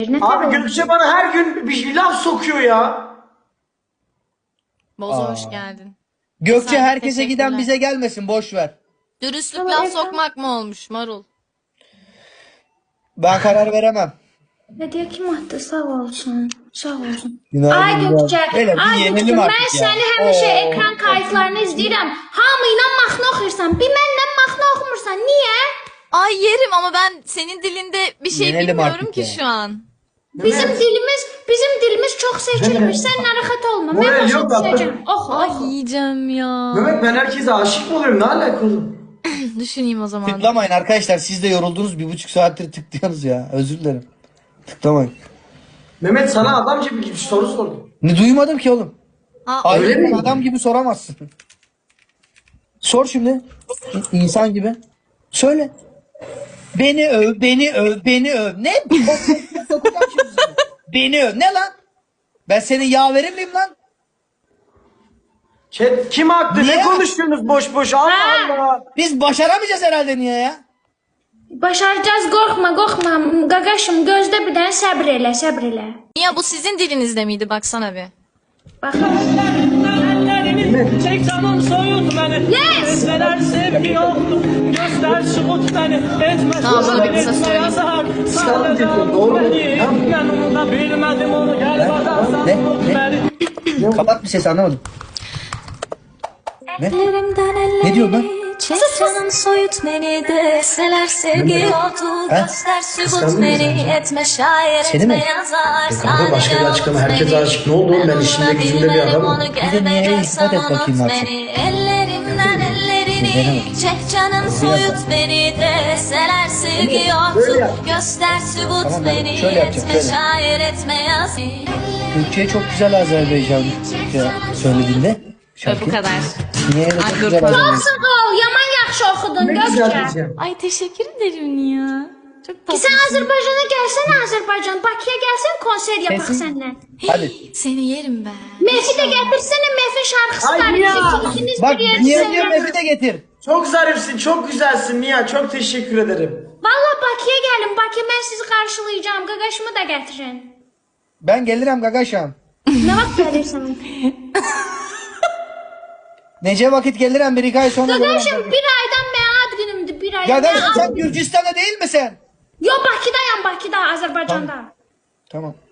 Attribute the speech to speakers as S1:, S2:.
S1: Abi Gökçe bana her gün bir laf sokuyor ya.
S2: Bozo hoş geldin.
S3: Gökçe
S2: Sen de
S3: herkese giden
S2: teşekkürler.
S3: bize gelmesin, boş ver.
S2: Dürüstlük laf sokmak mı olmuş Marul?
S3: Ben karar veremem.
S4: Hediye kim attı? Sağ olsun. Sağ olsun.
S3: Günaydın,
S4: Ay Gökçe,
S3: Böyle bir
S4: ay Gökçe,
S3: yenelim
S4: mən
S3: artık ya.
S4: səni həmişə ekran kayıtlarını izləyirəm. Hamıyla mahnı oxuyursan, bir mənlə mahnı oxumursan. Niyə?
S2: Ay yerim ama ben senin dilinde bir şey
S3: Yenelim
S2: bilmiyorum
S3: artık
S2: ki
S3: ya.
S2: şu an.
S4: Bizim dilimiz çox seçilmiş. Sən narahat olma. Mən
S1: Moral
S4: başa
S1: yok tatlım.
S4: düşəcəm. Oxu,
S2: Ay
S4: oxu.
S2: yiyeceğim ya.
S1: Mehmet ben herkese aşık mı oluyorum? Ne alakalı?
S2: Düşüneyim o zaman.
S3: Tıklamayın arkadaşlar, siz de yoruldunuz, 1,5 saattir tıklıyorsunuz ya, özür dilerim. Tıklamayın.
S1: Mehmet sana adamca bir soru sordum.
S3: Ne duymadım ki oğlum.
S2: Aa,
S1: öyle
S3: Ayrıca
S1: mi?
S3: adam gibi soramazsın. Sor şimdi. İnsan gibi. Söyle. Beni öv, beni öv, beni öv. Ne? Sokacağım şimdi seni. Beni öv. Ne lan? Ben senin yaverin miyim lan?
S1: Chat kim haklı?
S3: Niye?
S1: Ne konuşuyorsunuz boş boş? Allah Allah.
S3: Biz başaramayacağız herhalde, niye ya?
S4: Başaracağız, qorxma, qorxma. Qaqaşım, gözlə bir dənə səbr elə, səbr elə.
S2: Niye bu sizin dilinizde miydi baksana bir.
S4: Baxın.
S5: Çek canım soyut beni.
S4: Yes!
S5: Etmeler sevgi yoktu. Göster şumut beni. Etme
S2: Tamam, bunu bir kısa
S5: etme
S2: söyleyeyim.
S5: yazar.
S1: Çıkalım
S5: Sadece
S1: diyorsun, doğru mu?
S5: beni.
S1: Tamam.
S5: Yanımda bilmedim onu. Gel bakarsan
S3: Ne?
S5: tut
S3: Ne?
S5: beni.
S3: Kapat bir ses, anlamadım.
S4: Ellerimdən
S3: Ne diyor lan?
S4: çək canım soyut beni deseler sevgi yoktu.
S3: Ha?
S4: Göster sübut
S1: Kıskandın mı
S4: beni,
S1: sen?
S4: etme şair,
S3: Seni mi?
S4: etme yazar.
S1: Kanka başka bir açıklama. Herkes aşık. Ne oldu oğlum? Ben işimde gücümde bir adamım.
S3: Bir de niye ispat et bakayım artık.
S4: Ellerimden ellerini
S3: Denemedim.
S4: çek canım soyut beni deseler sevgi
S1: Böyle
S4: yoktu.
S1: yap.
S4: Göster sübut
S3: Tamam, ben
S4: beni,
S3: şöyle yapacağım,
S4: etme
S3: şöyle.
S4: şair, etme yazar.
S3: Türkçe'ye çok güzel Azerbaycan söylediğinde.
S2: Ve bu kadar.
S3: Niye öyle çok
S2: Ay,
S3: güzel
S2: dur.
S3: Azerbaycan?
S4: Sağ ol, yaman yaxşı oxudun
S1: Ne güzel
S4: Gökçe.
S1: diyeceğim.
S2: Ay teşekkür ederim ya. Çok
S4: Ki
S2: tatlı.
S4: sen Azerbaycan'a gelsene Azerbaycan. Bakıya gelsen konser yapak
S3: Kesin.
S4: seninle.
S3: Hadi.
S2: Seni yerim ben.
S4: Mehfi de getirsene, Mehfi şarkısı
S1: Ay
S4: var.
S1: ya.
S4: İkiniz
S3: Bak
S4: bir yerde
S3: niye
S4: söyleyin.
S3: diyor, Mehmet'i de getir.
S1: Çok zarifsin, çok güzelsin Nia. Çok teşekkür ederim.
S4: Valla Bakıya gelin. Bakıya ben sizi karşılayacağım. Qaqaşımı da getirin.
S3: Ben gelirim gagaşam.
S4: Ne vaxt gelirsin?
S3: Nece vakit gelirim, bir iki ay sonra gelirim.
S4: Qaqaşım bir aydan mən ad günümdür. Bir aydan.
S3: Gagaş sen Gürcistan'da değil misin?
S4: Yo Bakıdayım, Bakıda, Azerbaycan'da.
S3: Tamam.